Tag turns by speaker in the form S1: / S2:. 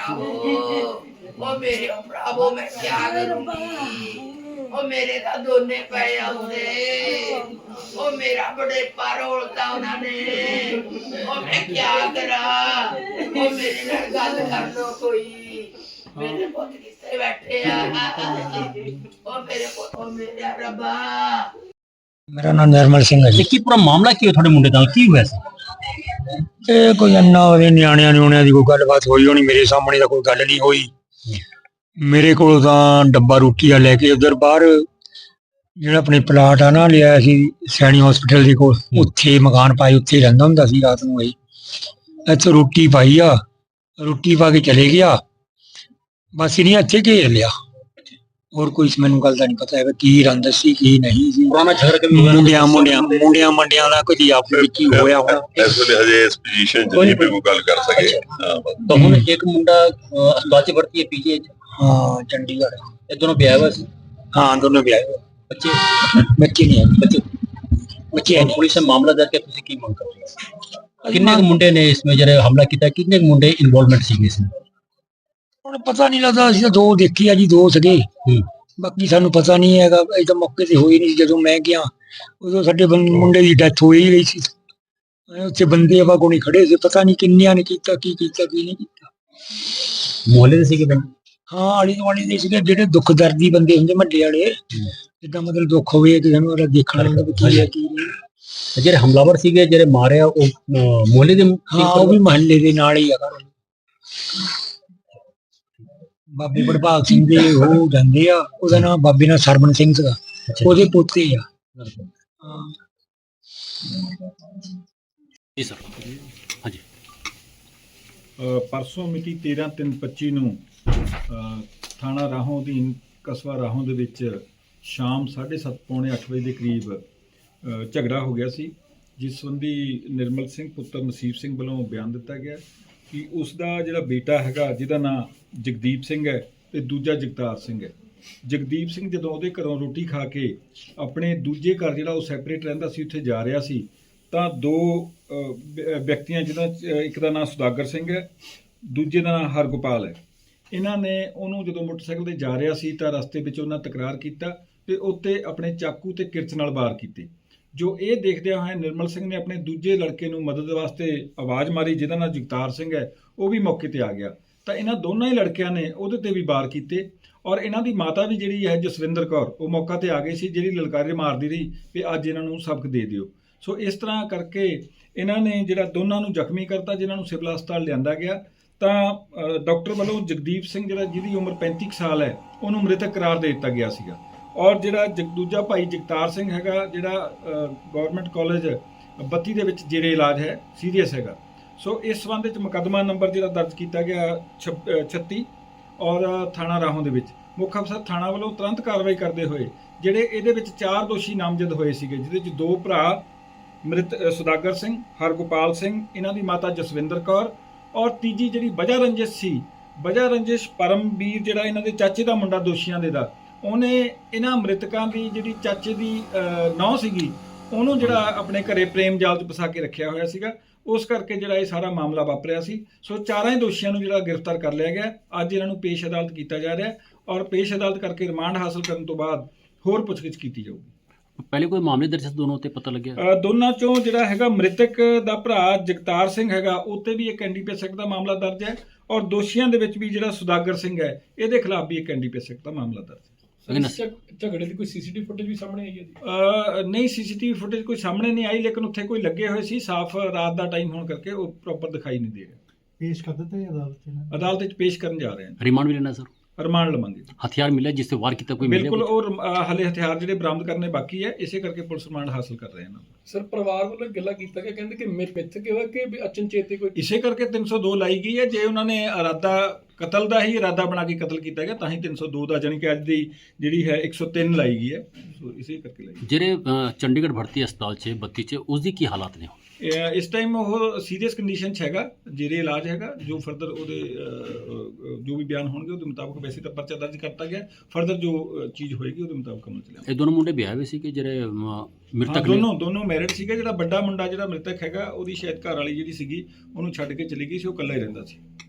S1: ओ मेरे भरावो मैं क्या करूंगी ओ मेरे ता दोने पे आउंदे ओ मेरा बड़े पार होता उन्होंने ओ मैं क्या करा ओ मेरे नाल गल कर लो कोई मेरे पुत किथे बैठे आ ओ मेरे पुत ओ मेरे रब्बा
S2: मेरा नाम निर्मल सिंह है जी।
S3: की पूरा मामला की थोड़े मुंडे नाल की हुआ सी?
S2: ਇਹ ਕੋਈ ਇੰਨਾ ਉਹਦੇ ਨਿਆਣਿਆਂ ਨਿਆਣਿਆਂ ਦੀ ਕੋਈ ਗੱਲਬਾਤ ਹੋਈ ਹੋਣੀ, ਮੇਰੇ ਸਾਹਮਣੇ ਤਾਂ ਕੋਈ ਗੱਲ ਨਹੀਂ ਹੋਈ। ਮੇਰੇ ਕੋਲ ਤਾਂ ਡੱਬਾ ਰੋਟੀ ਦਾ ਲੈ ਕੇ ਉਧਰ ਬਾਹਰ ਜਿਹੜਾ ਆਪਣੇ ਪਲਾਟ ਆ ਨਾ ਲਿਆ ਸੀ ਸੈਣੀ ਹਸਪੀਟਲ ਦੇ ਕੋਲ, ਉੱਥੇ ਮਕਾਨ ਪਾਏ, ਉੱਥੇ ਰਹਿੰਦਾ ਹੁੰਦਾ ਸੀ ਰਾਤ ਨੂੰ। ਇਹ ਇੱਥੇ ਰੋਟੀ ਪਾਈ ਆ, ਰੋਟੀ ਪਾ ਕੇ ਚਲੇ ਗਿਆ, ਬਸ ਇਹਨੇ ਇੱਥੇ ਘੇਰ ਲਿਆ। ਹੋਰ ਕੋਈ ਮੈਨੂੰ ਗੱਲ ਦਾ ਨਹੀਂ ਪਤਾ ਹੈ ਕੀ ਰੰਦ ਸੀ ਕੀ ਨਹੀਂ ਸੀ।
S3: ਪੁਰਾਣਾ ਝਗੜਾ ਕभी ਹੋਇਆ?
S2: ਮੁੰਡਿਆਂ ਮੰਡਿਆਂ ਦਾ ਕੋਈ ਆਪਸ ਵਿੱਚ ਹੀ ਹੋਇਆ ਹੋਣਾ।
S4: ਇਸ ਵੇਲੇ ਹਜੇ ਇਸ ਪੋਜੀਸ਼ਨ 'ਚ ਨਹੀਂ ਵੀ ਕੋਈ ਗੱਲ ਕਰ ਸਕੇ।
S3: तो हुन एक मुंडा अस्पताल च भर्ती है पीजी
S2: हाँ चंडीगढ़।
S3: ये दोनों ब्याह हुआ सी?
S2: हाँ दोनों भी आए।
S3: बच्चे
S2: बच्चे नहीं आए,
S3: बच्चे
S2: बच्चे है नहीं।
S3: पुलिस ने मामला दर्ज किया, तुसी की मंग कर रहे हो? किन्ने क मुंडे ने इसमें जरे हमला किया, किन्ने क मुंडे इन्वॉल्वमेंट सी इसमें?
S2: ਹੁਣ ਪਤਾ ਨਹੀਂ ਲੱਗਦਾ, ਅਸੀਂ ਤਾਂ ਦੋ ਦੇਖੀ ਆ ਜੀ, ਦੋ ਸੀਗੇ, ਬਾਕੀ ਸਾਨੂੰ ਪਤਾ ਨਹੀਂ ਹੈਗਾ। ਅਸੀਂ ਤਾਂ ਮੌਕੇ ਤੇ ਹੋਈ ਨਹੀਂ, ਜਦੋਂ ਮੈਂ ਗਿਆ ਉਦੋਂ ਸਾਡੇ ਮੁੰਡੇ ਦੀ ਡੈਥ ਹੋ ਹੀ ਗਈ ਸੀ। ਉੱਥੇ ਬੰਦੇ ਆਪਾਂ ਕੋਲ ਖੜੇ ਸੀ, ਪਤਾ ਨਹੀਂ ਕਿੰਨਿਆਂ ਨੇ ਕੀਤਾ, ਕੀ ਨਹੀਂ ਕੀਤਾ।
S3: मोहल्ले दे सीगे बंदे?
S2: ਹਾਂ ਆਲੀ ਦੁਆਲੀ ਦੇ ਸੀਗੇ, ਜਿਹੜੇ ਦੁੱਖ ਦਰਦੀ ਬੰਦੇ ਹੁੰਦੇ ਮੱਡੇ ਵਾਲੇ, ਜਿੱਦਾਂ ਮਤਲਬ ਦੁੱਖ ਹੋਵੇ ਕਿਸੇ ਨੂੰ, ਉਹਦਾ ਦੇਖਣਾ ਹੁੰਦਾ ਵੀ ਕੀ ਹੈ ਕੀ ਨਹੀਂ।
S3: ਜਿਹੜੇ ਹਮਲਾਵਰ ਸੀਗੇ ਜਿਹੜੇ ਮਾਰਿਆ ਉਹ ਮੁਹੱਲੇ ਦੇ ਸੀ?
S2: ਹਾਂ ਉਹ ਵੀ ਮਹੱਲੇ ਦੇ ਨਾਲ ਹੀ ਆ ਘਰ। ਬਾਬੇ ਬੜਭਾਗ ਸਿੰਘ ਦੇ ਉਹ ਜਾਂਦੇ ਆ, ਉਹਦਾ ਨਾਮ ਬਾਬੇ ਨਾਲ ਸਰਵਣ ਸਿੰਘ ਸੀਗਾ, ਉਹਦੇ ਪੋਤੇ ਆ। ਹਾਂ
S3: जी सर। हाँ जी।
S5: ਪਰਸੋਂ ਮਿਤੀ 13/3/25 ਨੂੰ ਥਾਣਾ ਰਾਹੋਂ ਅਧੀਨ ਕਸਬਾ ਰਾਹੋਂ ਦੇ ਵਿੱਚ ਸ਼ਾਮ 7:30 ਪੌਣੇ 8 ਵਜੇ ਦੇ ਕਰੀਬ ਝਗੜਾ ਹੋ ਗਿਆ ਸੀ, ਜਿਸ ਸੰਬੰਧੀ ਨਿਰਮਲ ਸਿੰਘ ਪੁੱਤਰ ਨਸੀਬ ਸਿੰਘ ਵੱਲੋਂ ਬਿਆਨ ਦਿੱਤਾ ਗਿਆ ਕਿ ਉਸ ਦਾ ਜਿਹੜਾ ਬੇਟਾ ਹੈਗਾ ਜਿਹਦਾ ਨਾਂ ਜਗਦੀਪ ਸਿੰਘ ਹੈ ਤੇ ਦੂਜਾ ਜਗਤਾਰ ਸਿੰਘ ਹੈ। ਜਗਦੀਪ ਸਿੰਘ ਜਦੋਂ ਉਹਦੇ ਘਰੋਂ ਰੋਟੀ ਖਾ ਕੇ ਆਪਣੇ ਦੂਜੇ ਘਰ ਜਿਹੜਾ ਉਹ ਸੈਪਰੇਟ ਰਹਿੰਦਾ ਸੀ ਉੱਥੇ ਜਾ ਰਿਹਾ ਸੀ, ਤਾਂ ਦੋ ਵਿਅਕਤੀਆਂ ਜਿਹਦਾ ਇੱਕ ਦਾ ਨਾਮ ਸੁਦਾਗਰ ਸਿੰਘ ਹੈ, ਦੂਜੇ ਦਾ ਨਾਮ ਹਰਗੋਪਾਲ ਹੈ, ਇਹਨਾਂ ਨੇ ਉਹਨੂੰ ਜਦੋਂ ਮੋਟਰਸਾਈਕਲ ਤੇ ਜਾ ਰਿਹਾ ਸੀ ਤਾਂ ਰਸਤੇ ਵਿੱਚ ਉਹਨਾਂ ਤਕਰਾਰ ਕੀਤਾ ਤੇ ਉੱਤੇ ਆਪਣੇ ਚਾਕੂ ਤੇ ਕਿਰਚ ਨਾਲ ਵਾਰ ਕੀਤੇ। ਜੋ ਇਹ ਦੇਖਦਿਆਂ ਹੋਇਆ ਨਿਰਮਲ ਸਿੰਘ ਨੇ ਆਪਣੇ ਦੂਜੇ ਲੜਕੇ ਨੂੰ ਮਦਦ ਵਾਸਤੇ ਆਵਾਜ਼ ਮਾਰੀ, ਜਿਹਦਾ ਨਾਮ ਜਗਤਾਰ ਸਿੰਘ ਹੈ, ਉਹ ਵੀ ਮੌਕੇ ਤੇ ਆ ਗਿਆ। ਤਾਂ ਇਹਨਾਂ ਦੋਨਾਂ ਹੀ ਲੜਕਿਆਂ ਨੇ ਉਹਦੇ ਤੇ ਵੀ ਵਾਰ ਕੀਤੇ ਔਰ ਇਹਨਾਂ ਦੀ ਮਾਤਾ ਵੀ ਜਿਹੜੀ ਹੈ ਜਸਵਿੰਦਰ ਕੌਰ, ਉਹ ਮੌਕਾ ਤੇ ਆ ਗਈ ਸੀ, ਜਿਹੜੀ ਲਲਕਾਰੇ ਮਾਰਦੀ ਰਹੀ ਵੀ ਅੱਜ ਇਹਨਾਂ ਨੂੰ ਸਬਕ ਦੇ ਦਿਓ। ਸੋ ਇਸ ਤਰ੍ਹਾਂ ਕਰਕੇ ਇਹਨਾਂ ਨੇ ਜਿਹੜਾ ਦੋਨਾਂ ਨੂੰ ਜ਼ਖਮੀ ਕਰਤਾ, ਜਿਨ੍ਹਾਂ ਨੂੰ ਸਿਵਲ ਹਸਪਤਾਲ ਲਿਆਂਦਾ ਗਿਆ। ਤਾਂ ਡਾਕਟਰ ਵੱਲੋਂ ਜਗਦੀਪ ਸਿੰਘ ਜਿਹੜਾ ਜਿਹਦੀ ਉਮਰ 35 ਸਾਲ ਹੈ ਉਹਨੂੰ ਮ੍ਰਿਤਕ ਕਰਾਰ ਦੇ ਦਿੱਤਾ ਗਿਆ ਸੀਗਾ, ਔਰ ਜਿਹੜਾ ਦੂਜਾ ਭਾਈ ਜਗਤਾਰ ਸਿੰਘ ਹੈਗਾ ਜਿਹੜਾ ਗਵਰਨਮੈਂਟ ਕਾਲਜ 32 ਦੇ ਵਿੱਚ ਜਿਹੜੇ ਇਲਾਜ ਹੈ ਸੀਰੀਅਸ ਹੈਗਾ। ਸੋ ਇਸ ਸੰਬੰਧ ਵਿੱਚ ਮੁਕੱਦਮਾ ਨੰਬਰ ਜਿਹੜਾ ਦਰਜ ਕੀਤਾ ਗਿਆ 36 ਔਰ ਥਾਣਾ ਰਾਹੋਂ ਦੇ ਵਿੱਚ ਮੁੱਖ ਅਫਸਰ ਥਾਣਾ ਵੱਲੋਂ ਤੁਰੰਤ ਕਾਰਵਾਈ ਕਰਦੇ ਹੋਏ ਜਿਹੜੇ ਇਹਦੇ ਵਿੱਚ 4 ਦੋਸ਼ੀ ਨਾਮਜ਼ਦ ਹੋਏ ਸੀਗੇ, ਜਿਹਦੇ ਵਿੱਚ 2 ਭਰਾ ਮ੍ਰਿਤ ਸੁਦਾਗਰ ਸਿੰਘ, ਹਰਗੋਪਾਲ ਸਿੰਘ, ਇਹਨਾਂ ਦੀ ਮਾਤਾ ਜਸਵਿੰਦਰ ਕੌਰ, ਔਰ ਤੀਜੀ ਜਿਹੜੀ ਵਜ੍ਹਾ ਰੰਜਿਸ਼ ਸੀ, ਵਜ੍ਹਾ ਰੰਜਿਸ਼ ਪਰਮਵੀਰ ਜਿਹੜਾ ਇਹਨਾਂ ਦੇ ਚਾਚੇ ਦਾ ਮੁੰਡਾ ਦੋਸ਼ੀਆਂ ਦੇ ਦਾ, ਉਹਨੇ ਇਹਨਾਂ ਮ੍ਰਿਤਕਾਂ ਦੀ ਜਿਹੜੀ ਚਾਚੇ ਦੀ ਨੌਂ ਸੀਗੀ ਉਹਨੂੰ ਜਿਹੜਾ ਆਪਣੇ ਘਰੇ ਪ੍ਰੇਮ ਜਾਲ 'ਚ ਫਸਾ ਕੇ ਰੱਖਿਆ ਹੋਇਆ ਸੀਗਾ, ਉਸ ਕਰਕੇ ਜਿਹੜਾ ਇਹ ਸਾਰਾ ਮਾਮਲਾ ਵਾਪਰਿਆ ਸੀ। ਸੋ ਚਾਰਾਂ ਹੀ ਦੋਸ਼ੀਆਂ ਨੂੰ ਜਿਹੜਾ ਗ੍ਰਿਫਤਾਰ ਕਰ ਲਿਆ ਗਿਆ। ਅੱਜ ਇਹਨਾਂ ਨੂੰ ਪੇਸ਼ ਅਦਾਲਤ ਕੀਤਾ ਜਾ ਰਿਹਾ ਔਰ ਪੇਸ਼ ਅਦਾਲਤ ਕਰਕੇ ਰਿਮਾਂਡ ਹਾਸਲ ਕਰਨ ਤੋਂ ਬਾਅਦ ਹੋਰ ਪੁੱਛਗਿੱਛ ਕੀਤੀ ਜਾਊਗੀ।
S3: पहले कोई मामले दर्ज दोनों ते पता लग गया?
S5: ਦੋਨਾਂ ਚੋਂ ਜਿਹੜਾ ਹੈਗਾ ਮ੍ਰਿਤਕ ਦਾ ਭਰਾ ਜਗਤਾਰ ਸਿੰਘ ਹੈਗਾ ਉੱਤੇ ਵੀ ਇੱਕ ਐਨਡੀਪੀਐਸ ਐਕਟ ਦਾ ਮਾਮਲਾ ਦਰਜ ਹੈ, ਔਰ ਦੋਸ਼ੀਆਂ ਦੇ ਵਿੱਚ ਵੀ ਜਿਹੜਾ ਸੁਦਾਗਰ ਸਿੰਘ ਹੈ ਇਹਦੇ ਖਿਲਾਫ ਵੀ ਇੱਕ ਐਨਡੀਪੀਐਸ ਐਕਟ ਦਾ ਮਾਮਲਾ ਦਰਜ ਹੈ।
S6: ਝਗੜੇ ਦੀ ਕੋਈ ਸੀਸੀਟੀਵੀ ਫੁਟੇਜ ਵੀ ਸਾਹਮਣੇ ਆਈ ਹੈ ਜੀ?
S5: ਨਹੀਂ, ਸੀਸੀਟੀਵੀ ਫੁਟੇਜ ਕੋਈ ਸਾਹਮਣੇ ਨਹੀਂ ਆਈ, ਲੇਕਿਨ ਉੱਥੇ ਕੋਈ ਲੱਗੇ ਹੋਏ ਸੀ, ਸਾਫ਼ ਰਾਤ ਦਾ ਟਾਈਮ ਹੋਣ ਕਰਕੇ ਉਹ ਪ੍ਰੋਪਰ ਦਿਖਾਈ ਨਹੀਂ ਦੇ ਰਿਹਾ।
S6: ਪੇਸ਼ ਕਰ ਦਿੱਤਾ ਹੈ
S5: ਅਦਾਲਤ ਵਿੱਚ ਪੇਸ਼ ਕਰਨ ਜਾ ਰਹੇ ਹਨ।
S3: रिमांड भी लेना सर?
S5: ਰਿਮਾਂਡ ਲਵਾਂਗੇ।
S3: हथियार मिला जिससे वार किया कोई मिला?
S5: ਬਿਲਕੁਲ, ਉਹ ਹਲੇ ਹਥਿਆਰ ਜਿਹੜੇ ਬਰਾਮਦ ਕਰਨੇ ਬਾਕੀ ਹੈ, ਇਸੇ ਕਰਕੇ ਪੁਲਿਸ ਰਿਮਾਂਡ ਹਾਸਲ ਕਰ ਰਹੇ ਹਨ।
S6: ਸਰ ਪਰਿਵਾਰ ਵੱਲੋਂ ਗੱਲਾਂ ਕੀਤਾ ਗਿਆ, ਕਹਿੰਦੇ ਕਿ ਮਿੱਥ ਕੇ ਹੋਇਆ ਕਿ ਅਚਨਚੇਤੇ ਕੋਈ
S5: ਇਸੇ ਕਰਕੇ 302 ਲਾਈ ਗਈ ਹੈ। ਜੇ ਉਹਨਾਂ ਨੇ ਕਤਲ ਦਾ ਹੀ ਇਰਾਦਾ ਬਣਾ ਕੇ ਕਤਲ ਕੀਤਾ ਗਿਆ ਤਾਂ ਹੀ 302 ਦਾ, ਜਾਣੀ ਕਿ ਅੱਜ ਦੀ ਜਿਹੜੀ ਹੈ 103 ਲਾਈ ਗਈ ਹੈ। ਸੋ ਇਸੇ ਕਰਕੇ ਲਾਈ
S3: ਜਿਹੜੇ ਚੰਡੀਗੜ੍ਹ ਭਰਤੀ ਹਸਪਤਾਲ 'ਚ 32 'ਚ ਉਸ ਦੀ ਕੀ ਹਾਲਾਤ ਨੇ?
S5: ਇਸ ਟਾਈਮ ਉਹ ਸੀਰੀਅਸ ਕੰਡੀਸ਼ਨ 'ਚ ਹੈਗਾ, ਜੇਰੇ ਇਲਾਜ ਹੈਗਾ। ਜੋ ਫਰਦਰ ਉਹਦੇ ਜੋ ਵੀ ਬਿਆਨ ਹੋਣਗੇ ਉਹਦੇ ਮੁਤਾਬਕ ਵੈਸੇ ਤਾਂ ਪਰਚਾ ਦਰਜ ਕਰਤਾ ਗਿਆ, ਫਰਦਰ ਜੋ ਚੀਜ਼ ਹੋਏਗੀ ਉਹਦੇ ਮੁਤਾਬਕ ਅਮਲ 'ਚ ਲਿਆਵਾਂਗੇ।
S3: ਇਹ ਦੋਨੋਂ ਮੁੰਡੇ ਵਿਆਹ ਹੋਏ ਸੀ ਕਿ ਜਿਹੜੇ ਮ੍ਰਿਤਕ ਨੇ?
S5: ਦੋਨੋਂ ਮੈਰਿਡ ਸੀਗੇ। ਜਿਹੜਾ ਵੱਡਾ ਮੁੰਡਾ ਜਿਹੜਾ ਮ੍ਰਿਤਕ ਹੈਗਾ ਉਹਦੀ ਸ਼ਾਇਦ ਘਰ ਵਾਲੀ ਜਿਹੜੀ ਸੀਗੀ ਉਹਨੂੰ ਛੱਡ ਕੇ ਚਲੀ ਗਈ ਸੀ, ਉਹ ਇਕੱਲਾ ਹੀ ਰਹਿੰਦਾ ਸੀ।